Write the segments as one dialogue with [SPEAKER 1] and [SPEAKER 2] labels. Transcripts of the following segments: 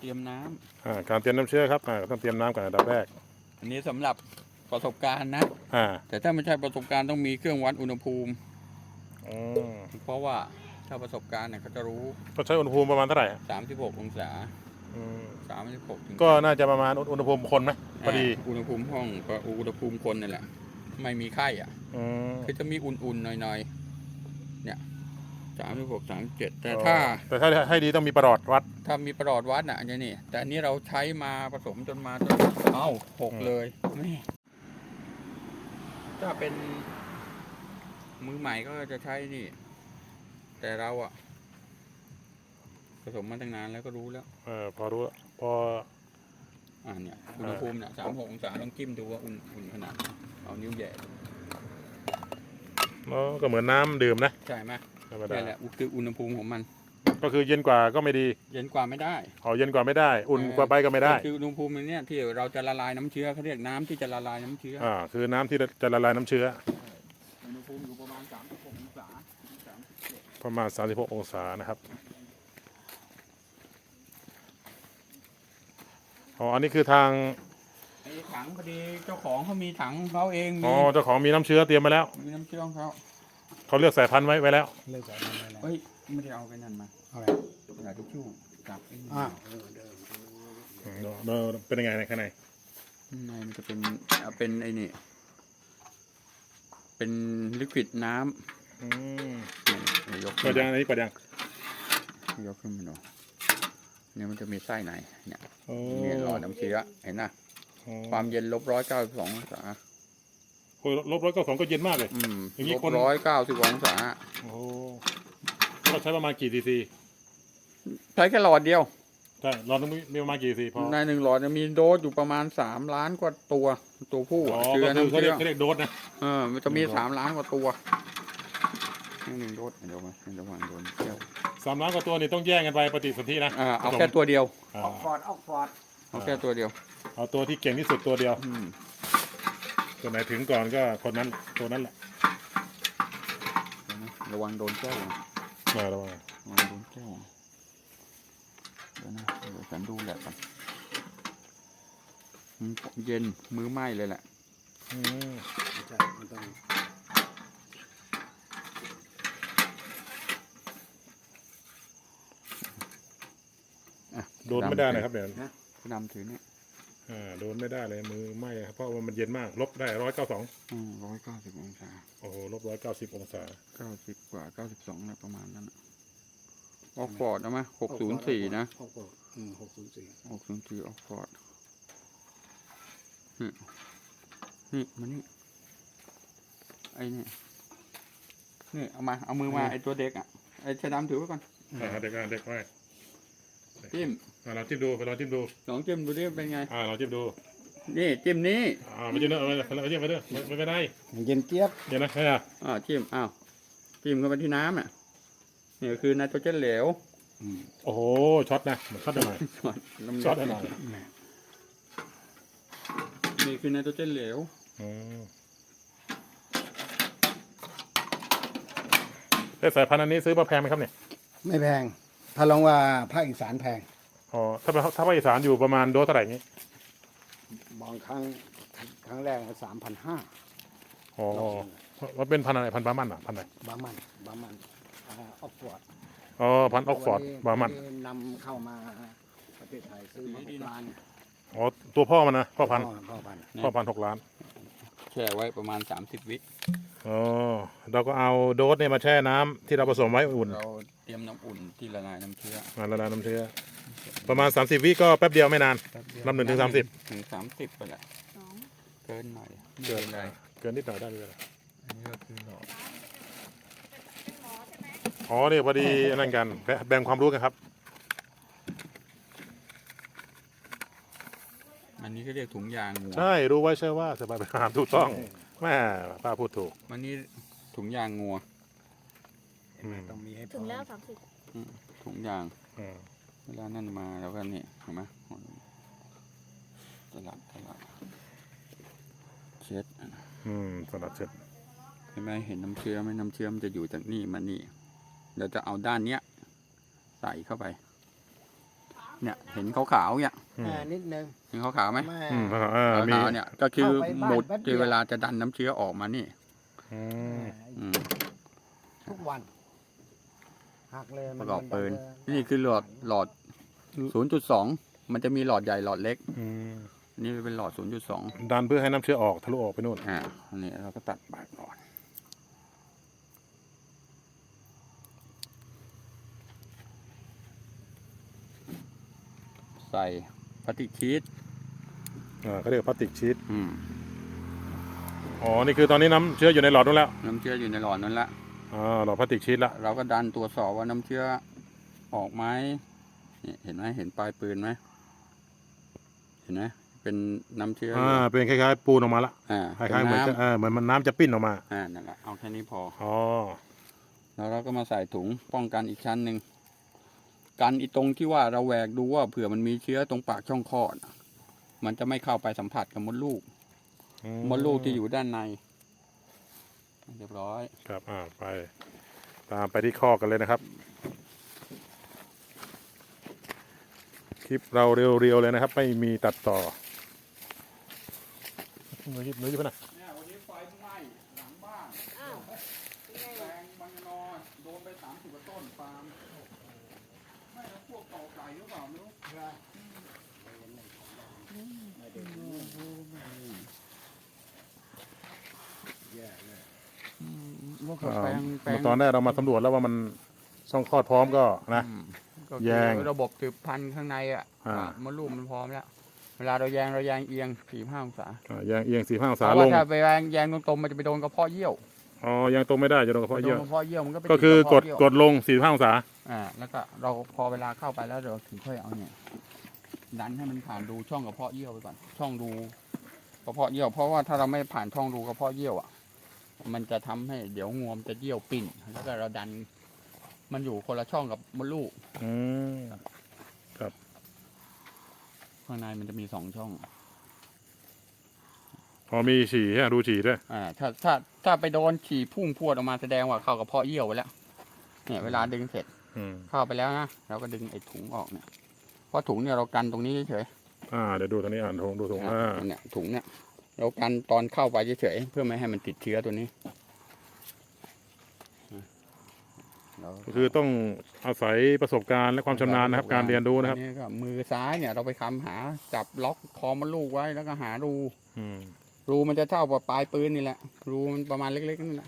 [SPEAKER 1] เตรียมน้ำ
[SPEAKER 2] การเตรียมน้ำเชื้อครับต้องเตรียมน้ำก่อนอันดับแรก
[SPEAKER 1] อันนี้สำหรับประสบการณ์นะแต่ถ้าไม่ใช่ประสบการณ์ต้องมีเครื่องวัดอุณหภูมิเพราะว่าถ้าประสบการณ์เนี่ยเขาจะรู้
[SPEAKER 2] ก็ใช้อุณหภูมิประมาณเท่าไหร่
[SPEAKER 1] 36 องศา36ถึง
[SPEAKER 2] ก็น่าจะประมาณอุณหภูมิคนไหมพอดี
[SPEAKER 1] อุณหภูมิห้องกับอุณหภูมิคนนี่แหละไม่มีไข้คือจะมีอุ่นๆหน่อยๆเนี่ย36 37แต่ถ้า
[SPEAKER 2] ให้ดีต้องมีประหลอดวัด
[SPEAKER 1] ถ้ามีประหลอดวัดอันนี้แต่อันนี้เราใช้มาผสมจนหกเลยแม่ถ้าเป็นมือใหม่ก็จะใช้นี่แต่เราผสมมาตั้งนานแล้วก็รู้แล้ว
[SPEAKER 2] พอรู้พอ
[SPEAKER 1] เนี่ยอุณหภูมิเนี่ย36 องศาต้องจิ้มดูว่าอุ่นขนาดเอานิ้วแย่
[SPEAKER 2] ก็เหมือนน้ำดื่มนะ
[SPEAKER 1] ใช่ไหมนี่แหละคืออุณหภูมิของมัน
[SPEAKER 2] ก็คือเย็นกว่าก็ไม่ดี
[SPEAKER 1] เย็นกว่าไม่ได้
[SPEAKER 2] เย็นกว่าไม่ได้อุ่นกว่าไปก็ไม่ได้
[SPEAKER 1] คืออุณหภูมิเนี่ยที่เราจะละลายน้ำเชื้อเขาเรียกน้ำที่จะละลายน้ำเชื้อ
[SPEAKER 2] คือน้ำที่จะละลายน้ำเชื้อ
[SPEAKER 1] อุณหภูมิอยู่ประมาณ36 องศา
[SPEAKER 2] ประมาณ36 องศานะครับอันนี้คือทาง
[SPEAKER 1] ถังพอดีเจ้าของเขามีถังเขาเอง
[SPEAKER 2] เจ้าของมีน้ำเชื้อเตรียมมาแล้ว
[SPEAKER 1] มีน้ำเชื้อของ
[SPEAKER 2] เขาเลือกสายพันธุ์ไว้แล้ว
[SPEAKER 1] เลือกสายพันธุ์ไว้แล้วไม่ได้เอาไปนั่นมา
[SPEAKER 3] อะไร
[SPEAKER 1] กระดาษทิชชู่จับ
[SPEAKER 2] เป็นยังไงในข้างใน
[SPEAKER 1] มันจะเป็นไอ้นี่เป็นลิควิดน้ำ
[SPEAKER 2] ยกเปิดยังอันนี้เปิดยัง
[SPEAKER 1] ยกขึ้นมาดูเนี่ยมันจะมีไส้ในเนี่ยหลอดน้ำเชื้อเห็นนะความเย็น-192 องศา
[SPEAKER 2] -192ก็เย็นมากเลย
[SPEAKER 1] อย่างนี้-190 องศา
[SPEAKER 2] ก็ใช้ประมาณกี่ซีซี
[SPEAKER 1] ใช้แค่หลอดเดียว
[SPEAKER 2] ใช่หลอดนึงมีประมาณกี่ซีซีพอ
[SPEAKER 1] ใน1 หลอดมีโดสอยู่ประมาณ3 ล้านกว่าตัวผู้
[SPEAKER 2] เชื้อน้ำเชื้อเขาเรียกโดสนะ
[SPEAKER 1] มันจะมี3 ล้านกว่าตัว1 โดสเดี๋ยวมาระวังโดนแก้ว
[SPEAKER 2] 3 ล้านกว่าตัวนี่ต้องแย่งกันไปปฏิสนธินะ
[SPEAKER 1] เอาแค่ตัวเดียว
[SPEAKER 3] ออกฟอร์ด
[SPEAKER 1] เอาแค่ตัวเดียว
[SPEAKER 2] เอาตัวที่เก่งที่สุดตัวเดียวตัวไหนถึงก่อนก็คนนั้นตัวนั้นแหละ
[SPEAKER 1] ระวังโดนแก้ว
[SPEAKER 2] ระวัง
[SPEAKER 1] โดนแก้วเดี๋ยวฉันดูแหละกันเย็นมือไหม้เลยแหละ
[SPEAKER 3] ใช่มันต้อง
[SPEAKER 2] โดนไม่ได้นะครับเดี๋ยว
[SPEAKER 1] ดำถือเนี่ย
[SPEAKER 2] โดนไม่ได้เลยมือไหม้ครับเพราะว่ามันเย็นมากลบได้192
[SPEAKER 1] 190 องศา
[SPEAKER 2] โอ้โห-190 องศา
[SPEAKER 1] 90 กว่า92นะประมาณนั้นออกฟอร์ดเอาไหม604นะ604ออกฟอร์ดนี่มานี่ไอ้นี่เอามือมาไอ้ตัวเด็กไอ้ชะดำถือไว้ก่อน
[SPEAKER 2] เด็กไว้
[SPEAKER 1] จิ้ม
[SPEAKER 2] เราจิ้มดูลองจิ้มดู
[SPEAKER 1] ดิเป็นไง
[SPEAKER 2] เราจิ้มดู
[SPEAKER 1] นี่จิ้มนี้
[SPEAKER 2] ไม่จิ้มเนอะเราจิ้มไปด้วยไม่เป็นไร
[SPEAKER 3] เย็นเจี๊ยบ
[SPEAKER 2] เย็นนะใช่
[SPEAKER 1] จิ้มจิ้มเข้าไปที่น้ำนี่คือไนโตรเจนเหลว
[SPEAKER 2] โอ้โหช็อตนะช็อตหน่อยช็อตหน่อย
[SPEAKER 1] นี่คือไนโตรเจนเหลว
[SPEAKER 2] สายพันธุ์อันนี้ซื้อมาแพงไหมครับเนี่ย
[SPEAKER 3] ไม่แพงถ้าลองว่าภาคอีสานแพง
[SPEAKER 2] ถ้าภาคอีสานอยู่ประมาณโดสเท่าไหร่นี้
[SPEAKER 3] บางครั้งแรก3,500
[SPEAKER 2] มันเป็นพันอะไรพันบามันพันอะไร
[SPEAKER 3] บามันออกฟอร์ด
[SPEAKER 2] พันออกฟอร์ดบามัน
[SPEAKER 3] นำเข้ามาประเทศไทยซื้อมา6 ล้าน
[SPEAKER 2] ตัวพ่อมันนะพ่อพัน6 ล้าน
[SPEAKER 1] แช่ไว้ประมาณ30 วิ
[SPEAKER 2] เราก็เอาโดสเนี่ยมาแช่น้ำที่เราผสมไว้อุ่น
[SPEAKER 1] เราเตรียมน้ำอุ่นที่ละลายน้ำเชื้อ
[SPEAKER 2] ประมาณ30 วิก็แป๊บเดียวไม่นานนับ1 ถึง 30
[SPEAKER 1] ถึง30ไปแหละเกินหน่อย
[SPEAKER 2] เกินนิดหน่อยได้เลย
[SPEAKER 1] อันนี้ก็คือหลอด
[SPEAKER 2] นี่พอดีนั่นกันแบ่งความรู้กันครับ
[SPEAKER 1] อันนี้ก็เรียกถุงยางงัว
[SPEAKER 2] ใช่รู้ไว้ใช่ว่าสบายไปหาถูกต้องแม่ป้าพูดถูก
[SPEAKER 1] อันนี้ถุงยางงัว
[SPEAKER 3] ต้องมีให้
[SPEAKER 4] ถึงแล้ว
[SPEAKER 1] 30ถุงยางเวลานั่นมาแล้วก็นี่เห็นไหมสลัดเช็ด
[SPEAKER 2] สลัดเช็ด
[SPEAKER 1] เห็นไหมเห็นน้ำเชื้อไหมน้ำเชื้อมันจะอยู่จากนี่มานี่เราจะเอาด้านเนี้ยใส่เข้าไปเนี่ยเห็นขาวๆเนี่ย
[SPEAKER 3] นิดนึง
[SPEAKER 1] เห็นขาวๆไหม
[SPEAKER 3] ไม่
[SPEAKER 2] มี
[SPEAKER 1] ขาวๆเนี่ยก็คือ
[SPEAKER 3] เข้าไปบ้าน
[SPEAKER 1] หมุด
[SPEAKER 3] แป๊บเดี
[SPEAKER 1] ที่
[SPEAKER 3] ยว
[SPEAKER 1] เวลาจะดันน้ำเชื้อออกมานี่ อืม
[SPEAKER 3] ทุกวันหักเลย
[SPEAKER 1] ประกอบปืนนี่คือหลอด 0.2 มันจะมีหลอดใหญ่หลอดเล็กนี่เป็นหลอด 0.2
[SPEAKER 2] ดันเพื่อให้น้ำเชื้อออกทะลุออกไปนู่น
[SPEAKER 1] อันนี้เราก็ตัดปากก่อนใส่พลาสติกชีส
[SPEAKER 2] เขาเรียกพลาสติกชีส
[SPEAKER 1] อืม
[SPEAKER 2] อ๋อนี่คือตอนนี้น้ำเชื้ออยู่ในหลอดนู่นแล้ว
[SPEAKER 1] น้ำเชื้ออยู่ในหลอดนั้นละ
[SPEAKER 2] หลอดพลาสติกชีสละ
[SPEAKER 1] เราก็ดันตรวจสอบว่าน้ำเชื้อออกไหมนี่เห็นไหมเห็นปลายปืนไหมเห็นไหมเป็นน้ำเชื้อ
[SPEAKER 2] เป็นคล้ายๆปูนออกมาละ ค
[SPEAKER 1] เป็น
[SPEAKER 2] ล้ายๆเหมือน
[SPEAKER 1] น้ำ
[SPEAKER 2] เหมือนมันน้ำจะปิ้นออกมา
[SPEAKER 1] นั่นแหละเอาแค่นี้พอ
[SPEAKER 2] อ๋อ
[SPEAKER 1] แล้วเราก็มาใส่ถุงป้องกันอีกชั้นหนึ่งกันอีตรงที่ว่าเราแหวกดูว่าเผื่อมันมีเชื้อตรงปากช่องคลอดมันจะไม่เข้าไปสัมผัสกับมดลูกมดลูกที่อยู่ด้านในเรียบร้อย
[SPEAKER 2] ครับไปตามไปที่ข้อกันเลยนะครับ คลิปเราเรียวๆเลยนะครับ ไม่มีตัดต่อมือหยิบไปนะ
[SPEAKER 1] เนี่ยวันนี้ไฟไหม้หลังบ้านแปลงบางนอนโดนไป30 กว่าต้นปาล์มไม่แล้วพวกต่อไก่หรือเปล่าไม่รู้
[SPEAKER 2] ตอนแรกเรามาสำรวจแล้วว่ามันช่องคลอดพร้อมก็นะ
[SPEAKER 1] ก็
[SPEAKER 2] แยง
[SPEAKER 1] ระบบสืบพันธุ์ข้างในมดลูกมันพร้อมแล้วเวลาเราแยงเอียง45 องศา
[SPEAKER 2] แยงเอียง4-5 องศา
[SPEAKER 1] เพราะ
[SPEAKER 2] ล
[SPEAKER 1] ว่าง ถ้าไปแยงตรงๆมันจะไปโดนกระเพาะเยี่ยว
[SPEAKER 2] ยังตรงไม่ได้จะโดนกระเพาะเยื่อ
[SPEAKER 1] โดนกระเพาะเยี่ยวมันก็ไป
[SPEAKER 2] ก็คือกด
[SPEAKER 1] ติระเพาะเยี่ยว
[SPEAKER 2] กดลง4-5 องศา
[SPEAKER 1] แล้วก็เราพอเวลาเข้าไปแล้วเราถึงค่อยเอาเนี่ยดันให้มันผ่านดูช่องกระเพาะเยี่ยวไปก่อนช่องดูกระเพาะเยี่ยวเพราะว่าถ้าเราไม่ผ่านช่องดูกระเพาะเยี่ยวมันจะทำให้เดี๋ยวงวมจะเยี่ยวปิ่นแล้วก็เราดันมันอยู่คนละช่องกับมดลูกข้างในมันจะมี2 ช่อง
[SPEAKER 2] มีฉี่ฮะดูฉี่ด้วย
[SPEAKER 1] ถ้าไปโดนฉี่พุ่งพรวดออกมาแสดงว่าเข้ากระเพาะเยี่ยวไปแล้วเนี่ยเวลาดึงเสร็จเข้าไปแล้วนะเราก็ดึงไอ้ถุงออกเนี่ยเพราะถุงเนี่ยเรากันตรงนี้เฉย
[SPEAKER 2] เดี๋ยวดูตรงนี้ดูถุง
[SPEAKER 1] เนี่ยถุงเนี่ยเรากันตอนเข้าไปเฉยๆเพื่อไม่ให้มันติดเชื้อตัวนี้
[SPEAKER 2] คือต้องอาศัยประสบการณ์และความชำนาญนะครับ การเรียนรู้นะครับ
[SPEAKER 1] นี่ก็มือซ้ายเนี่ยเราไปคำหาจับล็อกคอมดลูกไว้แล้วก็หารูมันจะเท่ากับปลายปืนนี่แหละรูมันประมาณเล็กๆนี่แหละ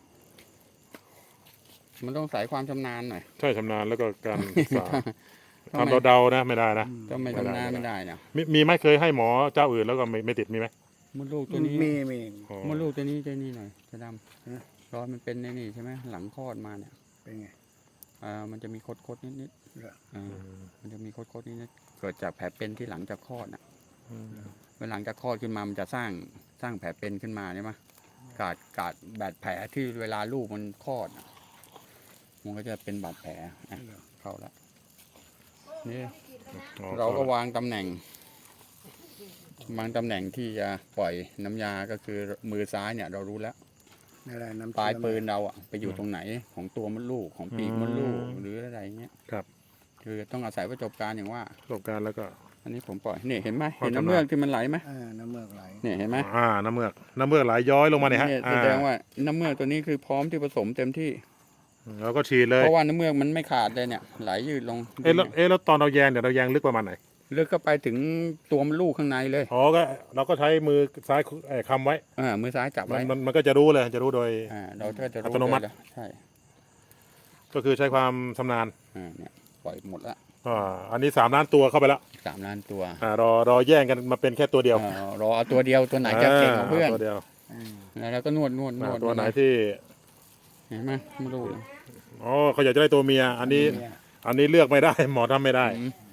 [SPEAKER 1] มันต้องใส่ความชำนาญหน่อย
[SPEAKER 2] ใช่ชำนาญแล้วก็การศึกษาทำเดาๆนะไม่ได้นะ
[SPEAKER 1] ถ้าไม่ชำนาญไม่ได้นะ
[SPEAKER 2] มีไหมเคยให้หมอเจ้าอื่นแล้วก็ไม่ติดมีไหม
[SPEAKER 1] มดลูกตัวนี้
[SPEAKER 3] มี
[SPEAKER 1] มดลูกตัวนี้หน่อยจะดำรอยมันเป็นในนี่ใช่ไหมหลังคลอดมาเนี่ย
[SPEAKER 3] เป็นไง
[SPEAKER 1] มันจะมีคดๆนิดๆมันจะมีคดๆนิดๆเกิดจากแผลเป็นที่หลังจากคลอดนะเมื่อหลังจากคลอดขึ้นมามันจะสร้างแผลเป็นขึ้นมาใช่ไหมกาดบาดแผลที่เวลาลูกมันคลอดมันก็จะเป็นบาดแผลเข้าแล้วนี่เราก็วางตำแหน่งที่จะปล่อยน้ำยาก็คือมือซ้ายเนี่ยเรารู้แล้วปลายปืนเราไปอยู่ตรงไหนของตัวมดลูกของปีกมดลูกหรืออะไรเงี้ย
[SPEAKER 2] ครับ
[SPEAKER 1] คือต้องอาศัยประสบการณ์อย่างว่า
[SPEAKER 2] ประสบการณ์แล้วก็
[SPEAKER 1] อันนี้ผมปล่อยนี่เห็นไหมเห็นน้ำเมือกที่มันไหลไหม
[SPEAKER 3] น้ำเมือกไหล
[SPEAKER 1] เนี่ยเห็นไหม
[SPEAKER 2] น้ำเมือกไหลย้อยลงมาเนี่ยฮะ
[SPEAKER 1] แสดงว่าน้ำเมือกตัวนี้คือพร้อมที่ผสมเต็มที่
[SPEAKER 2] แล้วก็ฉีดเลย
[SPEAKER 1] เพราะว่าน้ำเมือกมันไม่ขาดเลยเนี่ยไหลยืดลง
[SPEAKER 2] แล้วตอนเราแยงเราแยงลึกประมาณไหน
[SPEAKER 1] ลึกเข้าไปถึงตัวมดลูกข้างในเลย
[SPEAKER 2] ก็เราก็ใช้มือซ้ายคำไว้
[SPEAKER 1] มือซ้ายจับไว้
[SPEAKER 2] มันก็จะรู้เลยจะรู้โดย
[SPEAKER 1] เราก็จะรู้
[SPEAKER 2] อัตโนมัติ
[SPEAKER 1] เลยใช่
[SPEAKER 2] ก็คือใช้ความชำนาญ
[SPEAKER 1] เนี่ยปล่อยหมดละ
[SPEAKER 2] อันนี้3 ล้านตัวเข้าไปแล้ว
[SPEAKER 1] 3 ล้านตัว
[SPEAKER 2] รอแย่งกันมาเป็นแค่ตัวเดียว
[SPEAKER 1] รอเอาตัวเดียวตัวไหนจะเก่งกว่าเพื่อน
[SPEAKER 2] ตัวเดียว
[SPEAKER 1] แล้วก็นวด
[SPEAKER 2] ตัวไหนที่
[SPEAKER 1] เห็นไหมไม่รู้
[SPEAKER 2] เขาอยากจะได้ตัวเมียอันนี้เลือกไม่ได้ หมอทำไม่ได้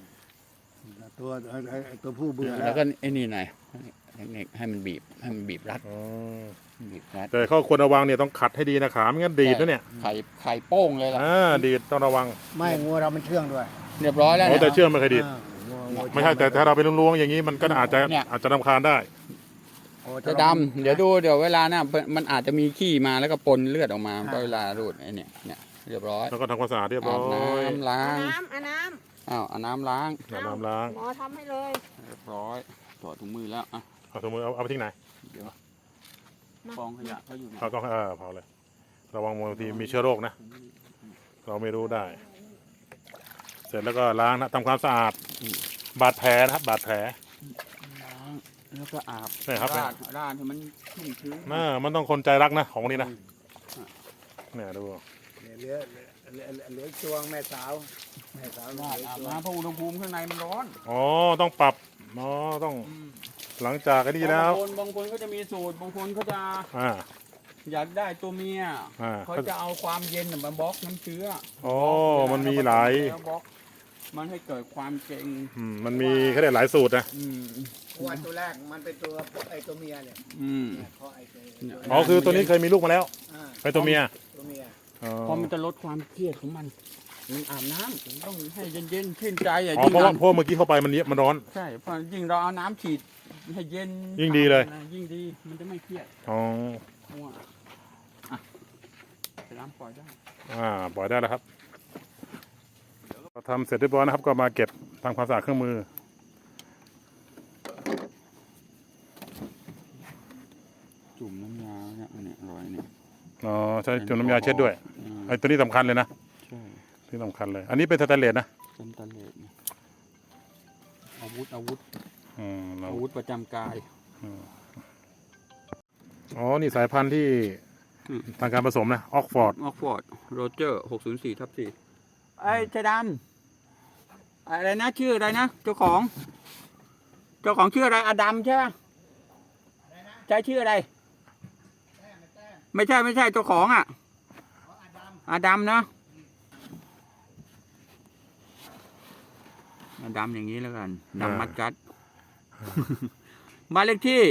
[SPEAKER 3] ตัวผู้เบื่อ
[SPEAKER 1] แล้วก็ไอ้นี่หน่อยให้มันบีบรัดบีบรัด
[SPEAKER 2] แต่ข้อควรระวังเนี่ยต้องขัดให้ดีนะขาไม่งั้นดีดนะเนี่ย
[SPEAKER 1] ไข่โป้งเลยล่ะ
[SPEAKER 2] ดีดต้องระวัง
[SPEAKER 3] ไม่งัวเรามันเชื่องด้วย
[SPEAKER 1] เรียบร้อยแล้ว
[SPEAKER 2] แต่เชื่อไม่เคยดีดไม่ใช่แต่ถ้าเราไปล้วงๆอย่างนี้มันก็อาจจะรำคาญได้
[SPEAKER 1] จะดำเดี๋ยวเวลาน่ะมันอาจจะมีขี้มาแล้วก็ปนเลือดออกมาก็เวลารูดไอ้เนี่ยเรียบร้อย
[SPEAKER 2] แล้วก็ทำความสะอาดเรียบร้อย
[SPEAKER 1] น้ำล้างอ้าวเอาน้ำล้าง
[SPEAKER 2] น้ำล้าง
[SPEAKER 4] หมอทำให้เลย
[SPEAKER 1] เรียบร้อยถอดถุงมือแล้วอ่ะ
[SPEAKER 2] เอาถุงมือเอาไปทิ้งไหน
[SPEAKER 1] เดี๋ยวกองขยะเขาอยู่ไหน
[SPEAKER 2] เอาก็เผาเลย ระวังบางทีมีเชื้อโรคนะ เราไม่รู้ได้ เสร็จแล้วก็ล้างนะทำความสะอาดบาดแผลนะครับบาดแผล
[SPEAKER 1] ล้างแล้วก็อาบ
[SPEAKER 2] ใช่ครับ
[SPEAKER 1] ราดให้มันชุ่มชื้น
[SPEAKER 2] มันต้องคนใจรักนะของพวกนี้นะเนี่ยดู
[SPEAKER 3] เนี่ยเหลือจวงแม่สาวเหลื
[SPEAKER 1] ราด
[SPEAKER 3] อ
[SPEAKER 1] อาบ
[SPEAKER 3] จวง
[SPEAKER 1] น้ำเพราะอุณหภูมิข้างในมันร้อน
[SPEAKER 2] อ๋อต้องปรับอ๋อต้องหลังจากไอ้นี่แล้ว
[SPEAKER 1] บางคนก็จะมีสูตรบางคนเขาจะ
[SPEAKER 2] อ่า
[SPEAKER 1] อยากได้ตัวเมีย
[SPEAKER 2] อ่า
[SPEAKER 1] เขาจะเอาความเย็นมาบล็อกน้ำเชื้อ
[SPEAKER 2] โอ้มันมีหลาย
[SPEAKER 1] แล้วบล็อกมันให้เกิดความเก่ง
[SPEAKER 2] มันมีเขาเรียกหลายสูตรนะ
[SPEAKER 3] ตัวตัวแรกมันเป็นตัวเมียเนี่ย เนี่ยเพราะไอ้ตัว
[SPEAKER 2] อ๋อคือตัวนี้เคยมีลูกมาแล้ว
[SPEAKER 3] อ่า
[SPEAKER 2] เป็นตัวเมีย
[SPEAKER 3] ตัวเมีย
[SPEAKER 2] อ๋อ
[SPEAKER 1] เพราะมันจะลดความเครียดของมันอาบน้ำมันต้องให้เย็นๆชื่นใจอ่ะ
[SPEAKER 2] อ๋อเพราะว่าเมื่อกี้เข้าไปมันร้อน
[SPEAKER 1] ใช่เพราะยิ่งเราเอาน้ำฉีดให้เย็น
[SPEAKER 2] ยิ่งดีเลย
[SPEAKER 1] ยิ่งดีมันจะไม่เครียด
[SPEAKER 2] อ๋อ
[SPEAKER 1] เพราะว่าอ่ะไปน้ำปล่อยได้
[SPEAKER 2] ปล่อยได้แล้วครับเราทำเสร็จเรียบร้อยนะครับ ก็มาเก็บทำความสะอาดเครื่องมือ
[SPEAKER 1] จุ่มน้ำยาเนี่ยอันเนี้ยรอยเนี่ย
[SPEAKER 2] อ๋อใช้จุ่มน้ำยาเช็ดด้วยไอ้ตัวนี้สำคัญเลยนะ
[SPEAKER 1] ใช่
[SPEAKER 2] ที่สำคัญเลย อันนี้เป็นสแตนเลสนะ
[SPEAKER 1] เป็นตะเลดเนี่ยอาวุธ
[SPEAKER 2] เรา
[SPEAKER 1] อาวุธประจำกาย
[SPEAKER 2] อ๋อนี่สายพันธุ์ที่
[SPEAKER 1] อืม
[SPEAKER 2] ทางการผสมนะออกฟอร์ด
[SPEAKER 1] ออกฟอร์ดโรเจอร์604/4ไอ้ชายดำอะไรนะชื่ออะไรนะเจ้าของชื่ออะไรอดัมใช่ไหมใช่ชื่ออะไร ไม่ใช่เจ้าของอ่ะอดัมนะอดัมอย่างนี้แล้วกันดำมัดกัดบ้านเลขที่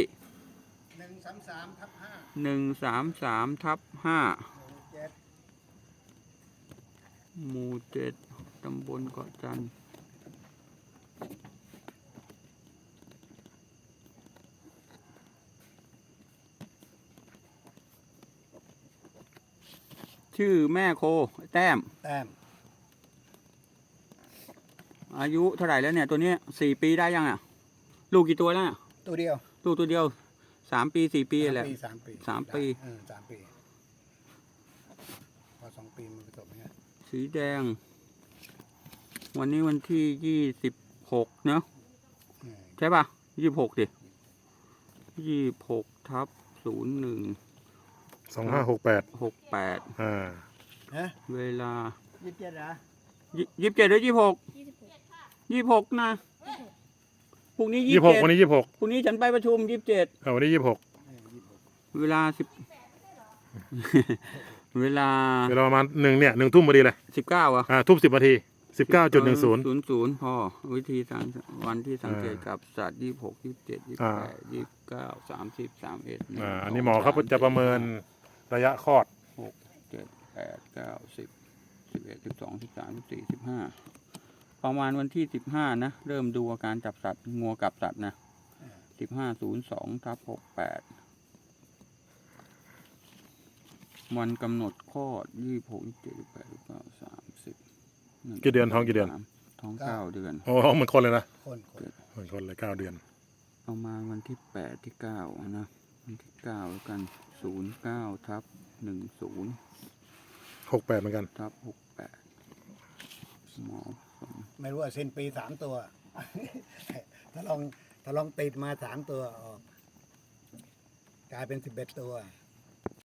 [SPEAKER 3] 133/5
[SPEAKER 1] หมู่7ตำบลเกาะจันทร์ชื่อแม่โคแต้ม
[SPEAKER 3] แต้ม
[SPEAKER 1] อายุเท่าไหร่แล้วเนี่ยตัวนี้4 ปีได้ยังอ่ะ ลูกกี่ตัวแล้วเนี่ย
[SPEAKER 3] ตัวเดียว
[SPEAKER 1] ลูกตัวเดียว3 ปี4 ปีแหละ
[SPEAKER 3] 3 ปี
[SPEAKER 1] 3 ปี
[SPEAKER 3] 3 ปีพอ2 ปีมันผสมเนี่ย
[SPEAKER 1] สีแดง วันนี้วันที่26เนอะใช่ป่ะ26ดิ26/01
[SPEAKER 2] 2568
[SPEAKER 1] 68
[SPEAKER 3] ฮะ
[SPEAKER 1] เวลา
[SPEAKER 3] 27เหรอ
[SPEAKER 1] 27หรือ26นะพรุ่งนี้
[SPEAKER 2] 26วันนี้26
[SPEAKER 1] พรุ่งนี้ฉันไปประชุม27
[SPEAKER 2] วันนี้26
[SPEAKER 1] เวลาเวลา
[SPEAKER 2] เวลาประมาณ1 ทุ่มพอดีเลย
[SPEAKER 1] 19อ่ะ
[SPEAKER 2] ทุ่ม10 นาที 19.10
[SPEAKER 1] 00พอวิธีสังวันที่สังเกตกับสัตว์26 27 28 29 30 31
[SPEAKER 2] อันนี้หมอเขาจะประเมินระยะคลอด
[SPEAKER 1] 6 7 8 9 10 11 12 13 14 15ประมาณวันที่15นะเริ่มดูอาการจับสัตว์งัวกับสัตว์นะ15/02/68วันกำหนดคลอด26 27 28 29 30
[SPEAKER 2] กี่เดือนท้องกี่เดือน
[SPEAKER 1] ท้อง9 เดือน
[SPEAKER 2] โอ้เหมือนคนเลยนะ
[SPEAKER 3] คน
[SPEAKER 2] เหมือนคนเลย9 เดือน
[SPEAKER 1] ประมาณวันที่8ที่9นะวันที่9แล้วกัน09/10
[SPEAKER 2] 68เหมือนกัน
[SPEAKER 1] 68หมอผสม
[SPEAKER 3] ไม่รู้ว่าสิ้นปี3 ตัว ถ้าลองติดมา3 ตัวออกกลายเป็น11 ตัว